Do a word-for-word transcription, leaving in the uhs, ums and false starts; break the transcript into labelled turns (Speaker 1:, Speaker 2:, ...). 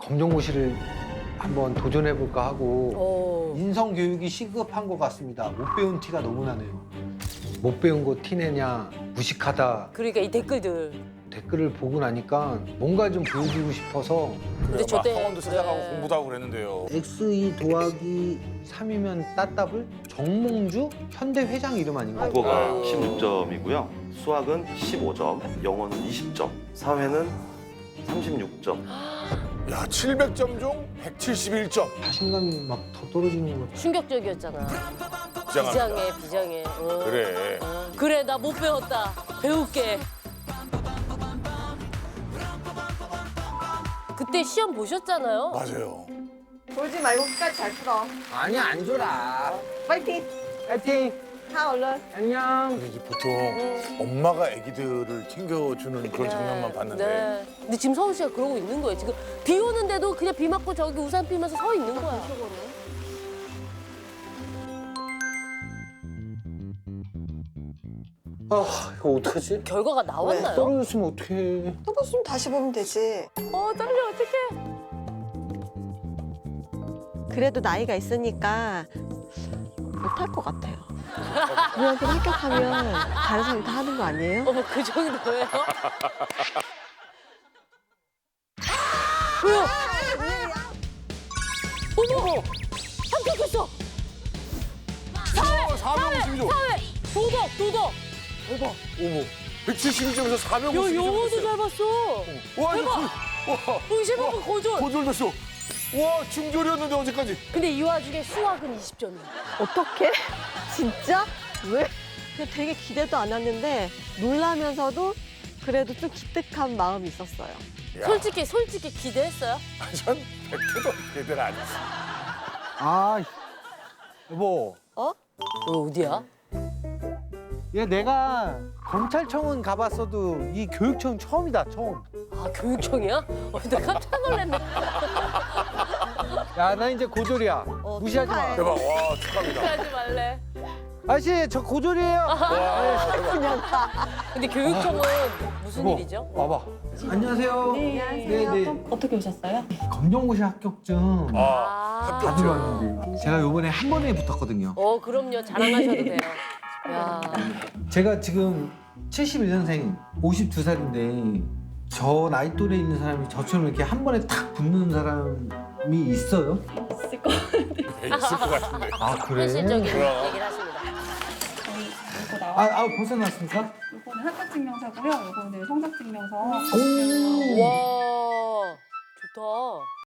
Speaker 1: 검정고시를 한번 도전해볼까 하고
Speaker 2: 어.
Speaker 1: 인성교육이 시급한 것 같습니다. 못 배운 티가 너무 나네요. 못 배운 거 티내냐, 무식하다.
Speaker 2: 그러니까 이 댓글들.
Speaker 1: 댓글을 보고 나니까 뭔가 좀 보여주고 싶어서
Speaker 2: 근데 저 때.
Speaker 3: 학원도 찾아가고
Speaker 2: 그래.
Speaker 3: 공부도 하고 그랬는데요.
Speaker 1: 엑스 이 더하기 삼이면 따따블? 정몽주? 현대 회장 이름 아닌가?
Speaker 4: 국어가
Speaker 2: 아이고.
Speaker 4: 십육 점이고요. 수학은 십오 점, 영어는 이십 점, 사회는 삼십육 점.
Speaker 3: 야, 칠백 점 중 백칠십일 점.
Speaker 1: 자신감이 막 더 떨어지는 것 같아요.
Speaker 2: 충격적이었잖아.
Speaker 3: 비장합니다.
Speaker 2: 비장해, 비장해. 어.
Speaker 3: 그래.
Speaker 2: 어. 그래, 나 못 배웠다. 배울게. 그때 시험 보셨잖아요.
Speaker 3: 맞아요.
Speaker 5: 졸지 말고 끝까지 잘 풀어.
Speaker 1: 아니 안 줘라.
Speaker 5: 파이팅!
Speaker 1: 파이팅.
Speaker 5: 가 얼른.
Speaker 1: 안녕.
Speaker 3: 근데 이게 보통 엄마가 아기들을 챙겨주는 그런 장면만 봤는데.
Speaker 2: 네. 근데 지금 서울 씨가 그러고 있는 거예요. 지금 비 오는데도 그냥 비 맞고 저기 우산 피면서 서 있는 거야.
Speaker 1: 아 이거 어떡하지?
Speaker 2: 결과가 나왔나요?
Speaker 1: 떨어졌으면 어떡해.
Speaker 5: 떨어지면 다시 보면 되지.
Speaker 2: 어, 떨려, 어떡해.
Speaker 6: 그래도 나이가 있으니까 못할 것 같아요. 우리한테 합격하면 다른 사람이 다 하는 거 아니에요?
Speaker 2: 어머, 그 정도예요? 왜요? 어머! 합격했어! 사회!
Speaker 3: 사백오십이 점.
Speaker 2: 사회! 도덕! 도덕! 대박!
Speaker 3: 어머. 백칠십이 점에서
Speaker 2: 야,
Speaker 3: 사백오십이 점.
Speaker 2: 영어도 잘 봤어!
Speaker 3: 와, 이거
Speaker 2: 대박!
Speaker 3: 거- 와.
Speaker 2: 의심 한번 거절!
Speaker 3: 고졸됐어. 와, 중졸이었는데 어제까지.
Speaker 2: 근데 이 와중에 수학은 이십 점이야.
Speaker 6: 어떻게? 진짜? 왜? 그냥 되게 기대도 안 했는데 놀라면서도 그래도 좀 기특한 마음이 있었어요.
Speaker 3: 야,
Speaker 2: 솔직히, 솔직히 기대했어요?
Speaker 3: 전 백 개도 기대를 안 했어.
Speaker 1: 아 여보.
Speaker 2: 어? 너 어디야?
Speaker 1: 얘 내가 검찰청은 가봤어도 이 교육청 처음이다 처음.
Speaker 2: 아, 교육청이야? 어, 나 깜짝 놀랐네.
Speaker 1: 야 나 이제 고졸이야.
Speaker 6: 어,
Speaker 1: 무시하지 마.
Speaker 6: 축하해.
Speaker 3: 대박. 와, 축하합니다.
Speaker 2: 하지 말래.
Speaker 1: 아저씨 저 고졸이에요.
Speaker 3: 와,
Speaker 2: 근데 교육청은 무슨
Speaker 1: 여보,
Speaker 2: 일이죠?
Speaker 1: 와봐. 안녕하세요. 네, 네.
Speaker 7: 어떻게 오셨어요?
Speaker 1: 검정고시 합격증
Speaker 3: 아,
Speaker 2: 아.
Speaker 1: 받으러 왔는데 제가 요번에 한 번에 붙었거든요.
Speaker 2: 어, 그럼요. 자랑하셔도 돼요. 야.
Speaker 1: 제가 지금 칠십일 년생 오십두 살인데 저 나이 또래 있는 사람이 저처럼 이렇게 한 번에 탁 붙는 사람이 있어요?
Speaker 7: 있을 거
Speaker 3: 있을 것 같은데.
Speaker 1: 아 그래?
Speaker 2: 현실적인
Speaker 3: 그럼.
Speaker 2: 얘기를 하십니다.
Speaker 7: 저희 이거
Speaker 1: 아,
Speaker 7: 나와.
Speaker 1: 아 벌써 나왔습니까?
Speaker 7: 이거는 합격증명서고요. 이거는 성적증명서.
Speaker 1: 오.
Speaker 2: 와, 좋다.